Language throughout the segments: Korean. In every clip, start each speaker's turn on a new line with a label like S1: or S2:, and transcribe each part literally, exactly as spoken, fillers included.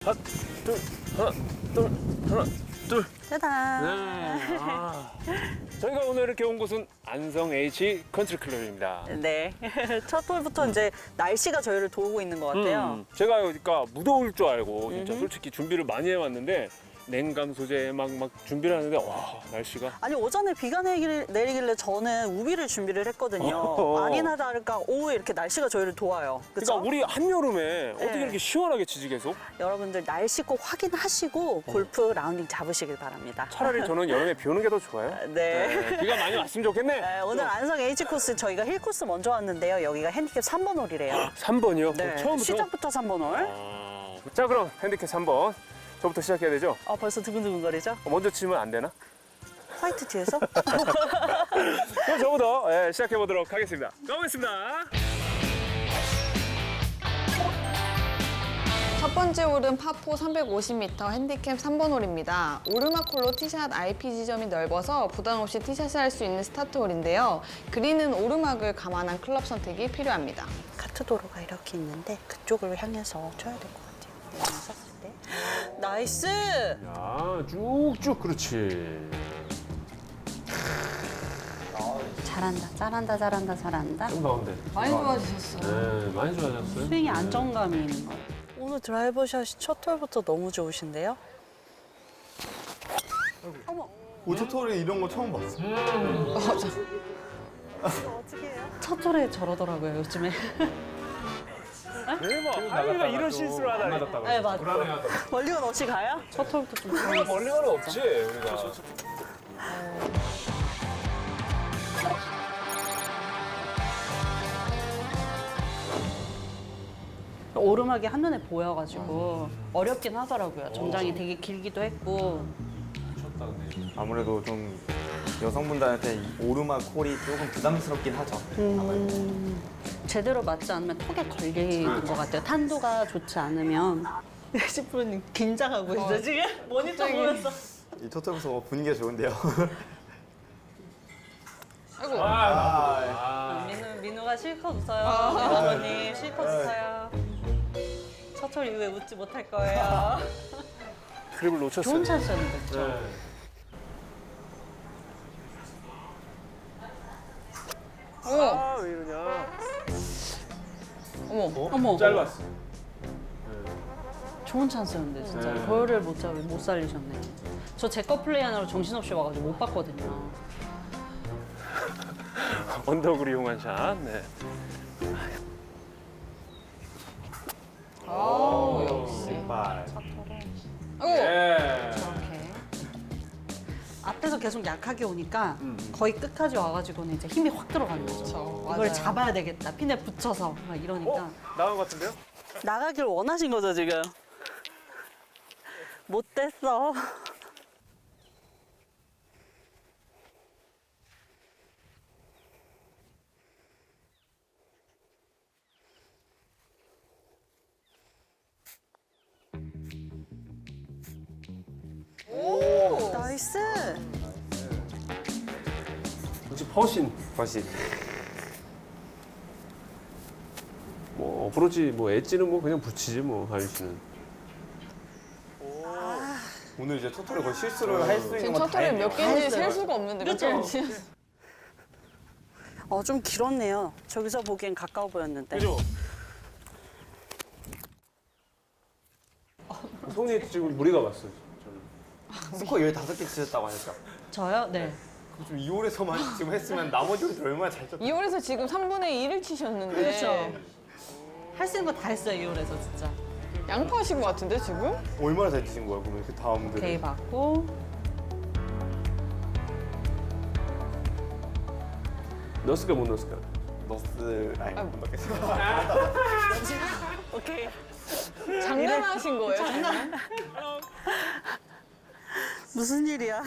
S1: 하나, 둘, 하나, 둘, 하나, 둘.
S2: 짜잔.
S1: 네. 아. 저희가 오늘 이렇게 온 곳은 안성 H 컨트리 클럽입니다.
S2: 네. 첫 홀부터 이제 날씨가 저희를 도우고 있는 것 같아요.
S1: 음, 제가 그러니까 무더울 줄 알고 진짜
S2: 음흠.
S1: 솔직히 준비를 많이 해왔는데 냉감 소재 막 막 준비를 하는데 와 날씨가
S2: 아니 오전에 비가 내길, 내리길래 저는 우비를 준비를 했거든요.
S1: 어허.
S2: 아니나 다를까 오후에 이렇게 날씨가 저희를 도와요. 그렇죠?
S1: 그러니까 우리 한여름에 어떻게
S2: 네.
S1: 이렇게 시원하게 치지 계속?
S2: 여러분들 날씨 꼭 확인하시고 골프 라운딩 잡으시길 바랍니다.
S1: 차라리 저는 여름에 비 오는 게 더 좋아요.
S2: 네.
S1: 네, 비가 많이 왔으면 좋겠네.
S2: 네, 오늘 안성 H 코스 저희가 힐 코스 먼저 왔는데요. 여기가 핸디캡 삼 번 홀이래요.
S1: 삼 번이요?
S2: 네.
S1: 처음부터?
S2: 시작부터 삼 번 홀.
S1: 아, 자 그럼 핸디캡 삼 번 저부터 시작해야 되죠?
S2: 아 벌써 두근두근거리죠?
S1: 어, 먼저 치면 안 되나?
S2: 화이트 뒤에서?
S1: 그럼 저부터 예, 시작해 보도록 하겠습니다. 가보겠습니다.
S3: 첫 번째 홀은 파포 삼백오십 미터 핸디캡 삼 번 홀입니다. 오르막 홀로 티샷 아이피 지점이 넓어서 부담 없이 티샷을 할 수 있는 스타트 홀인데요. 그린은 오르막을 감안한 클럽 선택이 필요합니다.
S2: 카트 도로가 이렇게 있는데 그쪽을 향해서 쳐야 될 것 같아요. 내가 쐈을 때. 나이스!
S1: 야 쭉쭉 그렇지.
S2: 잘한다, 잘한다, 잘한다, 잘한다.
S1: 좀 가운데.
S3: 많이 좋아지셨어요.
S1: 네, 많이 좋아졌어요.
S2: 스윙에 안정감이 있는 거. 오늘 드라이버 샷이 첫 홀부터 너무 좋으신데요?
S4: 오토토리 이런 거 처음 봤어.
S2: 어떻게 해요?
S5: 첫 홀에 저러더라고요, 요즘에.
S1: 대박. 하이가 이런 실수를 하다니.
S5: 네, 맞아.
S2: 멀리건 없이 가요?
S5: 첫 홀부터 좀.
S1: 우리가 멀리 가는 없지 우리가.
S5: 오르막이 한눈에 보여가지고 어렵긴 하더라고요. 전장이 되게 길기도 했고.
S4: 아무래도 좀 여성분들한테 이 오르막 홀이 조금 부담스럽긴 하죠.
S5: 음, 제대로 맞지 않으면 턱에 걸리는 것 같아요. 탄도가 좋지 않으면. 예시 프로님 긴장하고 있어 지금? 모니터
S3: 갑자기.
S5: 보면서.
S4: 이 토토에서 분위기가 좋은데요.
S3: 아이고.
S1: 아,
S5: 민우, 민우가 실컷 웃어요. 아버님 실컷 웃어요. 첫 홀 이후에 웃지 못할 거예요.
S1: 트립을 놓쳤어요.
S5: 좋은 찬스였는데, 그죠?
S1: 네.
S3: 어머,
S1: 아, 왜 이러냐.
S3: 어머.
S5: 어머,
S1: 짧았어.
S5: 좋은 찬스였는데 진짜
S1: 네.
S5: 그거를 못 잡, 못 살리셨네. 저 제 거 플레이하느라 정신없이 와가지고 못 봤거든요.
S1: 언덕을 이용한 샷. 네.
S3: 아우, 역시.
S4: 발.
S3: 아이고.
S1: 예.
S5: 이렇게 앞에서 계속 약하게 오니까
S1: 음.
S5: 거의 끝까지 와가지고는 이제 힘이 확 들어가는 거죠.
S3: 그쵸,
S5: 이걸
S3: 맞아요.
S5: 잡아야 되겠다. 핀에 붙여서 막 이러니까.
S1: 어? 나온 것 같은데요?
S2: 나가길 원하신 거죠, 지금? 못 됐어. 오! 나이스!
S1: 역시 퍼신.
S4: 버시.
S1: 뭐 어프로치 뭐 엣지는 뭐 그냥 붙이지 뭐 하윤 씨는.
S4: 오늘 이제 토토리 거의 실수를 할 수 있는
S3: 지금
S4: 건
S3: 첫 홀에
S4: 다
S3: 몇
S4: 했네요.
S3: 개인지 셀 수가 없는데.
S5: 그쵸?
S3: 그쵸?
S2: 어, 좀 길었네요. 저기서 보기엔 가까워 보였는데.
S1: 그죠? 손이 지금 무리가 갔어요. 저는.
S4: 스코어 열다섯 개 치셨다고 하니까.
S5: 저요? 네.
S4: 좀 이 홀에서만 지금 했으면 나머지 홀들 얼마나 잘 쳤다.
S3: 이 홀에서 지금 삼분의 일을 치셨는데.
S5: 그렇죠. 할 수 있는 거 다 했어요, 이 홀에서 진짜.
S3: 양파하신 것 같은데, 지금?
S4: 얼마나 잘 치신 거야, 그러면 그 다음들.
S5: 오케이 받고.
S1: 넣었을까 못 넣었을까?
S4: 너스 라인
S3: 아이고.
S4: 못 넣겠어요.
S2: 오케이.
S3: 장난하신 거예요, 장난?
S2: 무슨 일이야?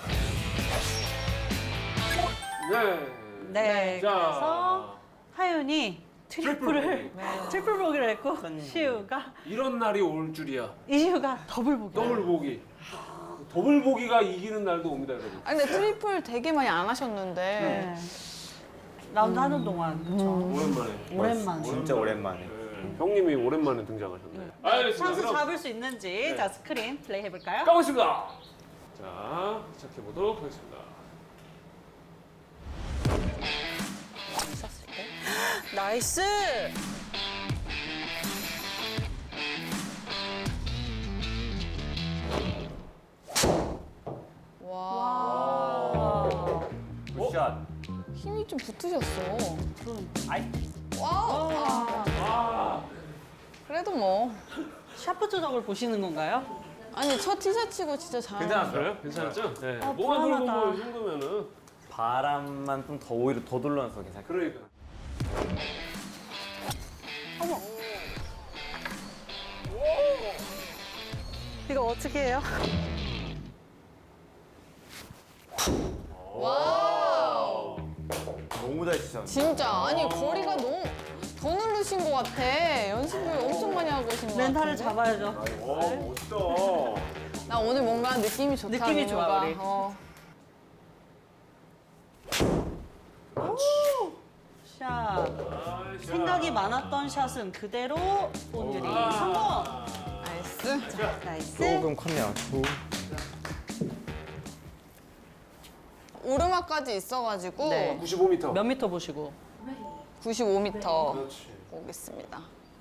S1: 네.
S5: 네.
S1: 자.
S5: 그래서 하윤이 트리플을 트리플 보기로 했고 시우가
S1: 이런 날이 올 줄이야.
S5: 이시우가 더블 보기.
S1: 더블 보기. 더블 보기가 이기는 날도 옵니다, 여러분.
S3: 아니, 근데 트리플 되게 많이 안 하셨는데.
S5: 네. 라운드 하는 동안 그쵸.
S1: 오랜만에.
S5: 오랜만에.
S4: 진짜 오랜만에.
S1: 네. 형님이 오랜만에 등장하셨네. 알겠습니다.
S5: 찬스
S1: 그럼
S5: 잡을 수 있는지 자 스크린 플레이 해볼까요?
S1: 가보겠습니다. 자, 시작해 보도록 하겠습니다.
S2: 썼을 때. 나이스!
S3: 와.
S4: 굿샷.
S3: 힘이 좀 붙으셨어.
S5: 아이,
S3: 와.
S1: 아,
S3: 그래도 뭐.
S5: 샤프 조작을 보시는 건가요?
S3: 아니 첫 티셔츠고 진짜 잘.
S4: 괜찮았어요?
S1: 그래요? 괜찮았죠? 네.
S5: 아,
S1: 뭐가 들어보고
S5: 불안하다.
S1: 이 정도면은
S4: 바람만 좀 더 오히려 더 둘러서 괜찮을 것
S1: 그러니까.
S2: 이거 어떻게 해요?
S3: 와우.
S4: 같아요. 너무 잘 치셨는데.
S3: 진짜 아니 거리가 너무 더 누르신 것 같아. 연습을 엄청 많이 하고 오신 것 같아.
S5: 멘탈을 잡아야죠.
S1: 와, 멋있다.
S3: 나 오늘 뭔가 느낌이 좋다.
S5: 느낌이 좋아,
S3: 뭔가.
S5: 우리.
S3: 어.
S5: 샷.
S1: 아,
S5: 생각이 많았던 샷은 그대로 온유리
S1: 아.
S5: 성공.
S3: 나이스.
S5: 나이스.
S4: 조금 컸네요. 조-
S3: 오르막까지 있어가지고
S5: 네.
S1: 구십오 미터.
S5: 몇 미터 보시고?
S3: 구십오 미터
S1: 그렇지.
S3: 오겠습니다.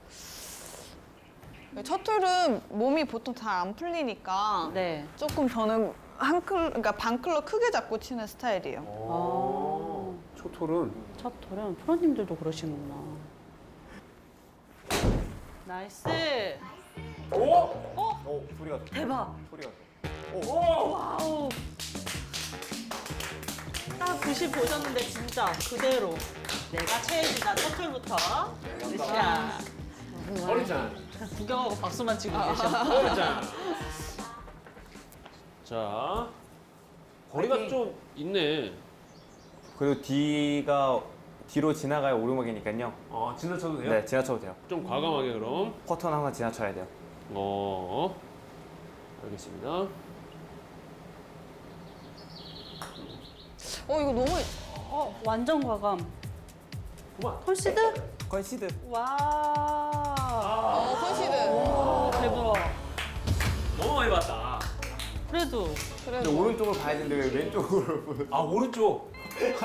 S3: 첫 홀은 몸이 보통 잘 안 풀리니까
S5: 네.
S3: 조금 저는 한 클, 그러니까 반 클럽 크게 잡고 치는 스타일이에요.
S1: 오. 초톨은
S5: 첫 홀은 프로님들도 그러시는구나. 나이스.
S1: 오!
S4: 오, 소리가 좋다.
S5: 대박.
S4: 소리가
S1: 오!
S5: 와우. 딱 구십 보셨는데 진짜 그대로. 내가 체해지다 첫 홀부터. 샷.
S1: 어리잖아.
S5: 구경하고 박수만 치고 계셔.
S1: 어리잖아. 자, 거리가 좀 있네.
S4: 그리고 뒤가 뒤로 지나가야 오르막이니까요.
S1: 어, 지나쳐도 돼요?
S4: 네, 지나쳐도 돼요.
S1: 좀 과감하게 그럼.
S4: 퍼터는 항상 지나쳐야 돼요.
S1: 어, 알겠습니다.
S3: 어 이거 너무
S5: 어, 완전 과감.
S1: 그만.
S5: 콘시드?
S4: 컨시드.
S5: 와.
S3: 어 컨시드.
S5: 오, 대박.
S1: 너무 많이 봤다.
S5: 그래도
S4: 근데
S3: 그래도
S4: 오른쪽을 봐야 되는데 왜 왼쪽으로 보여?
S1: 아, 오른쪽.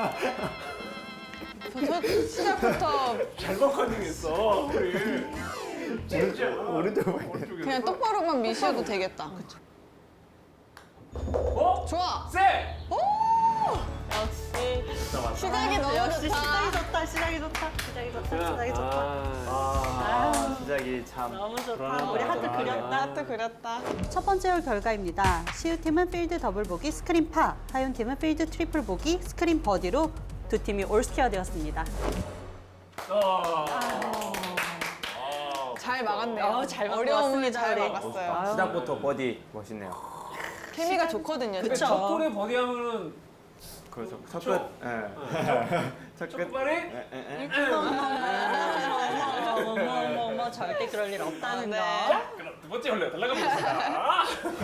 S3: 저, 저 시작부터
S1: 잘못 컨닝했어, 우리. 진짜.
S4: 오른쪽을 봐야 돼.
S1: 오른쪽에서.
S3: 그냥 똑바로만 미셔도 되겠다.
S1: 어?
S3: 좋아.
S1: 세!
S5: 역시
S3: 시작이 너무
S5: 역시 시작이
S3: 좋다.
S5: 좋다. 시작이 좋다. 시작이 좋다. 시작이 좋다.
S1: 아,
S4: 아, 시작이 참.
S5: 너무 좋다.
S4: 불안하다.
S5: 우리 하트
S4: 불안하네.
S5: 그렸다.
S3: 하트 그렸다.
S5: 첫 번째 홀 결과입니다. 시우팀은 필드 더블 보기 스크린 파, 하윤팀은 필드 트리플 보기 스크린 버디로 두 팀이 올스퀘어 되었습니다.
S1: 아.
S3: 잘 막았네요.
S5: 어, 잘 막고
S3: 어려움을
S5: 왔습니다,
S3: 잘
S5: 우리.
S3: 막았어요.
S5: 아유.
S4: 시작부터 버디 멋있네요.
S3: 케미가 좋거든요.
S5: 그쵸.
S3: 진짜.
S1: 첫 골에 버디하면은
S4: 그렇죠. 첫
S1: 그쵸?
S4: 끝. 예. 첫
S1: 첫
S4: 끝.
S1: 발이
S4: 예, 예, 예.
S5: 어머 어머 어머 절대 그럴 일 없다는 거.
S1: 그럼 두 번째 홀로 달라가 보겠습니다.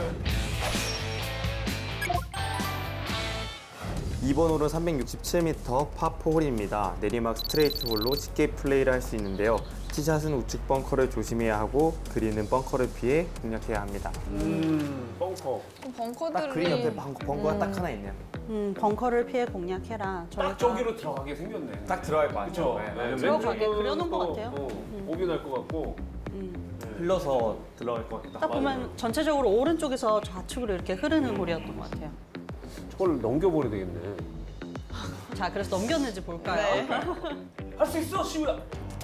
S4: 이번 홀은 삼백육십칠 미터 파포 홀입니다. 내리막 스트레이트 홀로 쉽게 플레이를 할 수 있는데요. 티샷은 우측 벙커를 조심해야 하고 그린은 벙커를 피해 공략해야 합니다.
S1: 음, 벙커.
S3: 벙커들이
S4: 딱 그린 옆에 벙커, 벙커가 딱 하나 있네요.
S5: 음 벙커를 피해 공략해라.
S1: 딱 저기로 들어가게 생겼네.
S4: 딱 들어갈 것
S1: 그쵸?
S4: 같아요.
S1: 네,
S5: 들어가게
S1: 왼쪽은
S5: 그려놓은 것
S1: 또,
S5: 같아요.
S1: 어, 오비 날 것 같고.
S5: 음.
S4: 흘러서 들어갈 것 같다.
S5: 딱 보면 전체적으로 오른쪽에서 좌측으로 이렇게 흐르는 홀이었던 것 같아요.
S1: 저걸 넘겨버려야 되겠네.
S5: 자 그래서 넘겼는지 볼까요?
S1: 할 수 있어, 시우야.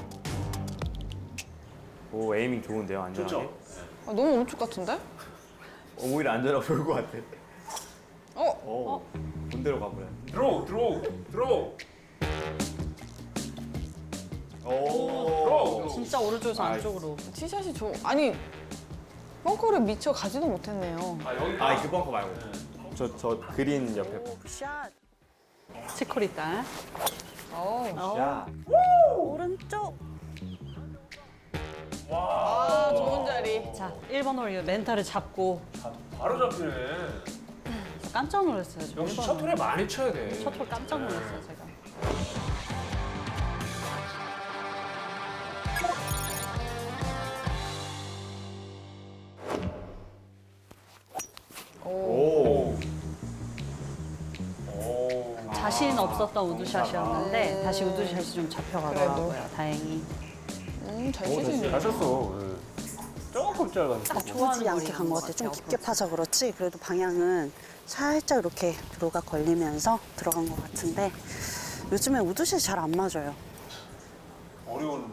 S4: 오, 에이밍 좋은데요, 안전하게.
S1: 좋죠?
S3: 아, 너무 오른쪽 같은데?
S4: 어, 오히려 안전하게 보일 것 같아.
S3: 어?
S4: 오, 본대로 가버려.
S1: 드로우, 드로우, 드로우.
S4: 오,
S1: 드로우.
S5: 진짜 오른쪽에서
S4: 아,
S5: 안쪽으로.
S3: 티샷이 좋. 아니 벙커를 미쳐 가지도 못했네요.
S1: 아, 여기.
S4: 아, 그 벙커 말고. 저, 저 그린 옆에.
S5: 샷. 치코리 딸.
S3: 어.
S4: 야.
S5: 오른쪽.
S3: 아 좋은 자리.
S5: 자 일 번 홀 멘탈을 잡고
S1: 바로 잡히네.
S5: 깜짝 놀랐어요. 저
S1: 역시
S5: 일 번
S1: 첫 홀에 많이 쳐야 돼.
S5: 첫 홀 깜짝 놀랐어요 제가. 자신 없었던 우드샷이었는데
S3: 아.
S5: 다시 우드샷이 좀 잡혀가더라고요. 다행히.
S3: 음, 잘
S1: 오,
S3: 치시네요.
S1: 잘 쳤어. 예. 조금 짧았어.
S2: 좋아하지 않게 간 것 같아. 좀 깊게 파서 그렇지. 그래도 방향은 살짝 이렇게 드로우가 걸리면서 들어간 것 같은데 요즘에 우드샷이 잘 안 맞아요.
S1: 어려운.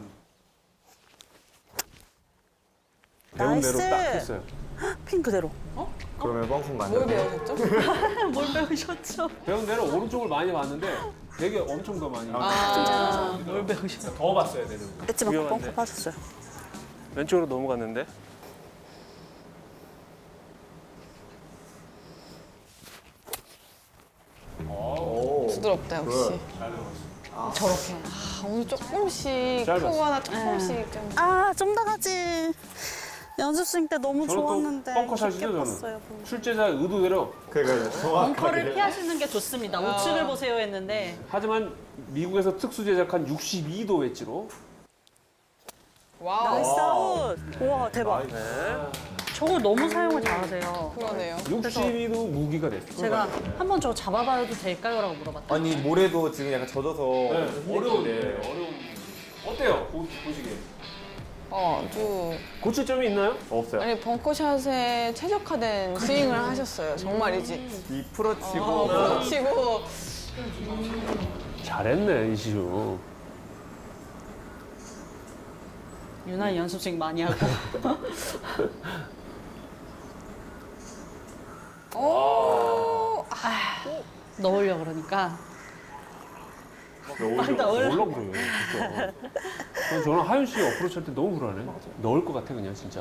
S2: 배운
S1: 대로
S2: 나이스.
S1: 딱 했어요.
S2: 핀 그대로.
S4: 그러면 뻥콩
S3: 뭘
S4: 맞는데.
S3: 배우셨죠?
S5: 뭘 배우셨죠?
S1: 배운 대로 오른쪽을 많이 봤는데 되게 엄청 더 많이.
S3: 아,
S5: 뭘 배우셨죠?
S1: 더 봤어야 되는 거.
S2: 엣지 맞고
S1: 위험한데.
S2: 뻥뻥 빠졌어요.
S1: 왼쪽으로 넘어갔는데.
S3: 부드럽다 역시. 저렇게. 아, 오늘 조금씩
S1: 짧았어.
S3: 크고 하나 조금씩 좀.
S2: 아, 좀 더 가지. 연습생 때 너무
S1: 저는 또
S2: 좋았는데
S1: 벙커샷이죠,
S2: 깊게
S1: 저는.
S2: 봤어요.
S1: 출제자 의도대로.
S4: 그러니까
S5: 벙커를
S4: 정확하게.
S5: 피하시는 게 좋습니다. 우측을 보세요 했는데
S1: 하지만 미국에서 특수 제작한 육십이 도 웨지로.
S3: 와우.
S2: 나이스 아웃. 우와, 대박.
S5: 저걸 너무 사용을 잘하세요.
S3: 그러네요.
S1: 육십이 도 무기가 됐어.
S5: 제가 한번 저거 잡아봐도 될까요? 라고 물어봤더니
S4: 아니 모래도 지금 약간 젖어서
S1: 네, 어려운데 어려운. 어때요? 보, 보시기에.
S3: 어, 아주.
S1: 고칠 점이 있나요?
S4: 없어요.
S3: 아니, 벙커샷에 최적화된 스윙을 하셨어요. 정말이지.
S4: 이 풀어치고
S3: 어, 치고.
S1: 잘했네 이시우.
S5: 유난히 연습생 많이 하고
S3: 오.
S5: 넣으려고 그러니까
S1: 넣으려고 넣으려고 그래요 진짜. 저는 저는 하윤 씨 어프로치 할 때 너무 불안해. 넣을 것 같아 그냥 진짜.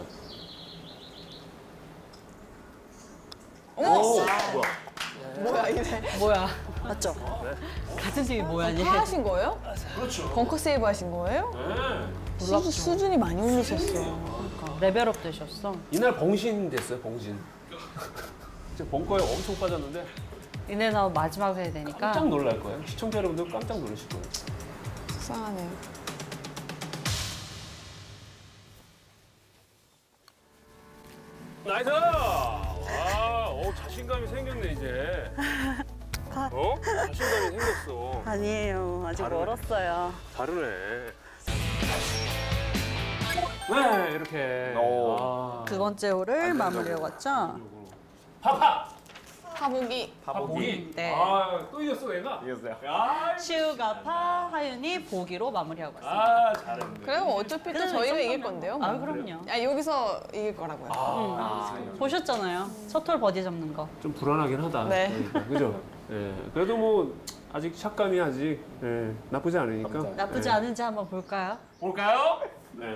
S3: 어머!
S4: 뭐야?
S3: 뭐야, 이래.
S5: 뭐야
S2: 맞죠?
S5: 같은 팀이 뭐야 얘.
S3: 파 하신 거예요?
S1: 그렇죠.
S3: 벙커 세이브 하신 거예요?
S1: 네.
S3: 수, 수준이 많이 올리셨어요.
S5: 그러니까 레벨업 되셨어.
S1: 이날 봉신 됐어요 봉신. 진짜 벙커에 엄청 빠졌는데
S5: 이내 나온 마지막 해야 되니까
S1: 깜짝 놀랄 거예요. 시청자 여러분들 깜짝 놀라실 거예요.
S3: 속상하네요.
S1: 나이스! 와, 어, 자신감이 생겼네 이제. 어? 자신감이 생겼어.
S2: 아니에요. 아직
S1: 다르네.
S2: 멀었어요.
S1: 다르네. 네, 이렇게.
S4: 오.
S1: 아.
S5: 두 번째 홀을 마무리하고 왔죠.
S1: 파파!
S3: 파보기.
S1: 파보기?
S5: 네.
S1: 아, 또 이겼어, 얘가?
S4: 이겼어요.
S1: 야,
S5: 시우가 파, 하윤이 보기로 마무리하고 왔습니다.
S1: 아, 잘했네.
S3: 그래요? 어차피 또
S5: 그래도
S3: 저희가
S5: 이
S3: 이길
S5: 정도면-
S3: 건데요.
S5: 아
S3: 뭐.
S5: 그럼요.
S3: 아, 여기서 이길 거라고요.
S1: 아,
S5: 보셨잖아요. 첫 홀 버디 잡는 거.
S1: 좀 불안하긴 하다.
S3: 네.
S1: 그러니까, 그죠? 예. 그래도 뭐, 아직 샷감이 아직 예, 나쁘지 않으니까.
S5: 나쁘지
S1: 예.
S5: 않은지 한번 볼까요?
S1: 볼까요? 네.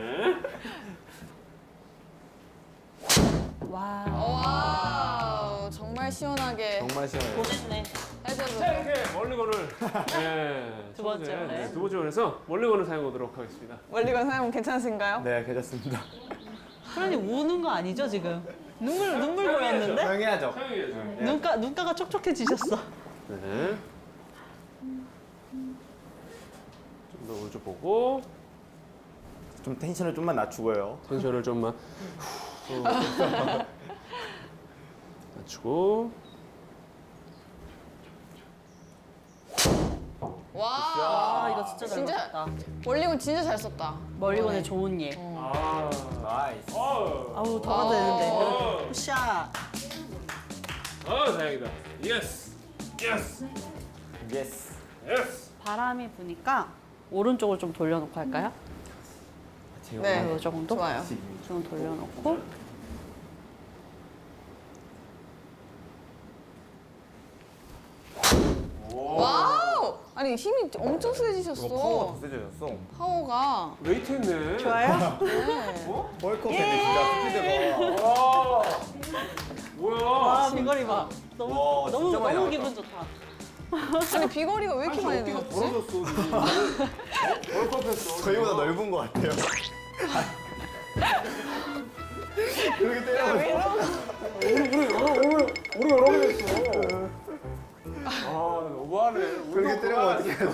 S5: 와.
S3: 와우, 정말 시원하게
S4: 정말 시원해요.
S5: 보냈네.
S3: 해줘도.
S1: 자, 이렇게 멀리건을 예,
S5: 두 번째
S1: 첫 번째,
S5: 홀에.
S1: 네, 두 번째 홀에서 멀리건을 사용하도록 하겠습니다.
S3: 멀리건 사용 괜찮으신가요?
S4: 네, 괜찮습니다.
S5: 프로님 우는 거 아니죠 지금? 눈물 눈물 보였는데?
S4: 사용해야죠.
S1: 사용해야죠.
S5: 눈가 눈가가 촉촉해지셨어.
S1: 네. 좀 더 오른쪽 보고
S4: 좀 텐션을 좀만 낮추고요.
S1: 텐션을 좀만 후, 낮추고
S3: 와.
S5: 아 이거 진짜 잘
S3: 진짜-
S5: 맞았다.
S3: 멀리건 진짜 잘 썼다.
S5: 멀리건의 좋은 예.
S1: 아,
S4: 나이스.
S1: 어,
S5: 아우 더 가도 되는데. 샷.
S1: 아, 다행이다. 예스, 예스,
S4: 예스.
S1: 예스.
S5: 바람이 부니까 오른쪽을 좀 돌려놓고 할까요?
S4: 제가
S3: 네.
S5: 이 정도?
S3: 좋아요.
S5: 좀 돌려놓고.
S3: 와우! 아니, 힘이 엄청 세지셨어.
S4: 이거 파워가 더 세져졌어.
S3: 파워가.
S1: 웨이트 했네.
S5: 좋아요?
S3: 네.
S4: 벌컥했네 진짜 스피드가.
S1: 와, 뭐야?
S5: 아 비거리 봐. 너무
S4: 와,
S5: 너무
S4: 진짜 많이
S5: 너무
S4: 나왔다.
S5: 기분 좋다.
S3: 아니, 비거리가 왜 이렇게 많이
S1: 어깨가
S3: 늘었지?
S1: 벌어졌어. 벌컥했어.
S4: 저희보다 넓은 것 같아요. 그렇게 때려.
S1: 우리 여러 개 됐어. 아, 너무하네.
S4: 그렇게 때리면 어떻게 해야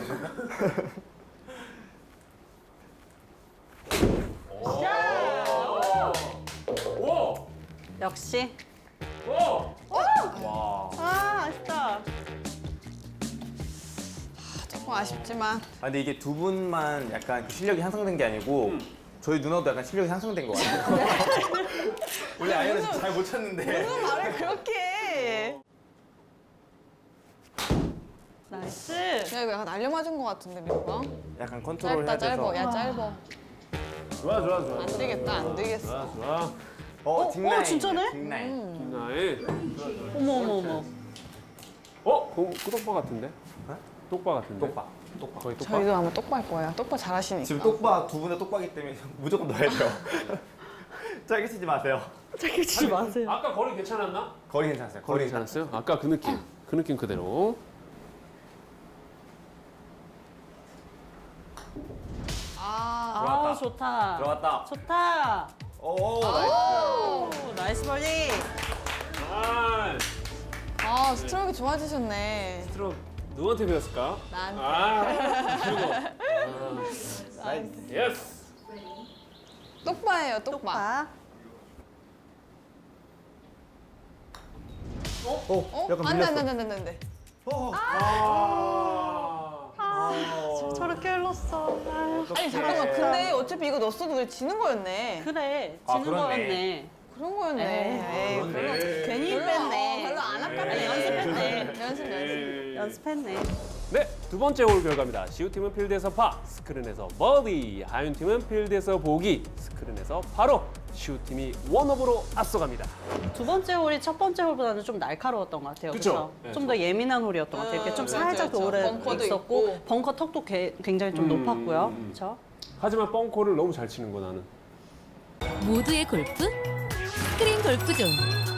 S1: 와,
S5: 역시.
S1: 와.
S4: 와.
S5: 아 아쉽다.
S3: 조금 아쉽지만.
S4: 아, 근데 이게 두 분만 약간 그 실력이 향상된 게 아니고 저희 누나도 약간 실력이 향상된 것 같아요. 원래 아이언을 잘 못 쳤는데.
S3: 무슨 말을 그렇게 해.
S5: 나이스.
S3: 야, 이거 약간 날려맞은 것 같은데, 민호가?
S4: 약간 컨트롤
S3: 짧다,
S4: 해야 돼서.
S3: 짧아. 야, 짧아.
S1: 좋아 좋아 좋아.
S3: 안 되겠다, 안 되겠어.
S1: 좋아 좋아.
S4: 어, 딩라인.
S2: 어, 진짜네?
S4: 딩라인.
S1: 나의
S5: 어머 어머 어머.
S1: 어? 그, 그 똑바 같은데?
S4: 어?
S1: 똑바 같은데?
S4: 똑바. 똑바.
S1: 거의 똑바?
S3: 저희도 아마 똑바일 거예요. 똑바 잘하시니까.
S4: 지금 똑바 두 분 다 똑바기 때문에 무조건 넣어야 돼요. 짧게 치지 마세요.
S5: 짧게 치지 마세요.
S1: 아까 거리 괜찮았나?
S4: 거리 괜찮았어요.
S1: 거리 괜찮았어요? 아까 그 느낌. 그 느낌 그대로.
S3: 아,
S5: 아
S4: 들어왔다.
S5: 좋다.
S4: 들어갔다.
S5: 좋다.
S4: 오, 나이스.
S5: 오, 나이스 버디.
S1: 아,
S3: 아, 스트로크 좋아지셨네.
S1: 스트로크 누구한테 배웠을까?
S3: 나한테.
S1: 아, 그리고. 아,
S4: 나이스.
S1: 예스.
S3: 똑바예요, 똑바.
S2: 봐.
S4: 어,
S3: 어?
S4: 약간
S3: 안 돼,
S4: 밀렸어.
S3: 안 돼, 안 돼, 안 돼.
S4: 어,
S1: 아.
S5: 아, 저렇게 흘렀어. 아유.
S3: 아니, 잠깐만. 근데 어차피 이거 넣었어도 우리 지는 거였네.
S5: 그래,
S4: 아,
S5: 지는
S4: 그렇네.
S5: 거였네.
S3: 그런 거였네. 에이, 별로,
S5: 괜히
S3: 별로,
S5: 뺐네.
S3: 어, 별로 안 아깝네.
S5: 아니, 연습했네.
S3: 연습, 연습.
S5: 연습했네.
S1: 네, 두 번째 홀 결과입니다. 시우팀은 필드에서 파, 스크린에서 버디, 하윤팀은 필드에서 보기, 스크린에서 바로 시우팀이 원업으로 앞서갑니다.
S5: 두 번째 홀이 첫 번째 홀보다는 좀 날카로웠던 것 같아요.
S1: 그쵸?
S5: 그렇죠?
S1: 네,
S5: 좀 더 예민한 홀이었던 것 같아요. 이렇게 좀
S3: 음,
S5: 살짝
S3: 그렇죠,
S5: 오래
S3: 그렇죠. 벙커도
S5: 있었고
S3: 있고.
S5: 벙커 턱도 개- 굉장히 좀
S1: 음,
S5: 높았고요.
S1: 음.
S5: 그렇죠?
S1: 하지만 뻥코를 너무 잘 치는 거 나는.
S6: 모두의 골프 스크린 골프존